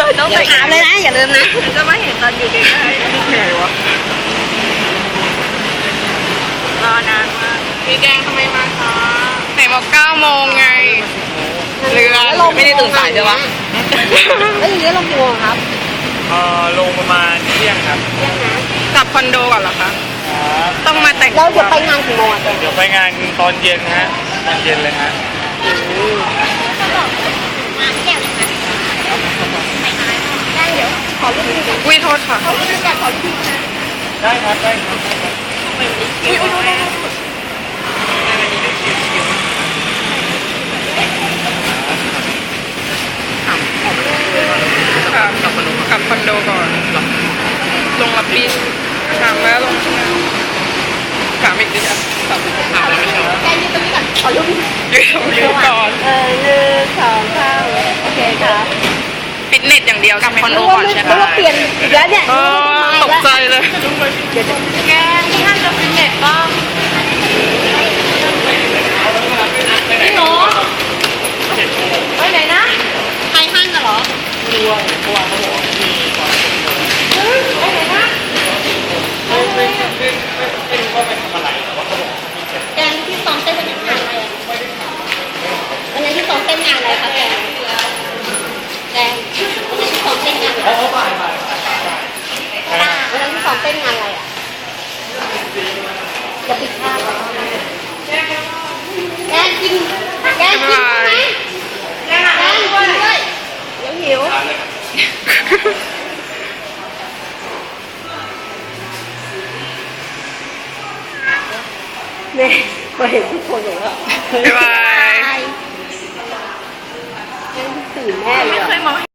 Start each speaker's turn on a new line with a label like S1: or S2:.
S1: ต้องไปถามเลยนะอย่าลืมนะ
S2: จะมาเห็นตอนอยู่ใกล้ๆไหนวะรอนานมากพี่แกงทำไมมาช้าไหนบอก9 โมงไงเรือไม่ได้ตื่นสายใช่ปะ
S1: แล้วอย่างนี้เรากลัวครับ
S3: ลงประมาณเที่ยงครับ
S2: กลับคอนโดก่อนเหรอคะต้องมาแต่ง
S1: เราจะไปงานกี่โมง
S3: เดี๋ยวไปงานตอนเย็นฮะตอนเย็นเลยฮะ
S2: วิโทษค่ะ
S3: ได้ครับได้ครับ
S2: กลับคอนโดก่อนลงรับบินถามแล้วลงถามอีกดิอ่ะถามแล้วไม่ใช่เหรอ
S1: แกยืนตรงนี้ก่อนขอรูป
S2: ยืนก่อน
S1: 1 2 3โอเคครับ
S2: ฟิตเนสอย่างเดียวกลับคอนโดก่อนใช่ไหม
S1: เราเปลี่ยนอีกแล้วเนี่ย
S2: ตกใจเลยแกที่ท่านจะฟิตเนสบ้าง
S1: พี่หนูไปไหนนะไปห้างกันเหรอไปไหนนะแกงที่ซ้อมเต้นเป็นงานอะไรวันนี้ที่ซ้อมเต้นงานอะไรคะแกงวันนี้ที่ซ้อมเต้นงานอะไรวันนี้ที่ซ้อมเต้นงานอะไรอ่ะจะปิดภาพแกงกินไหมแกงกินด้วยเดี๋ยวหิวเนี่ยมาเห็นทุกคนเลยว่า
S2: บ๊ายบาย
S1: ตื่นแน่เลย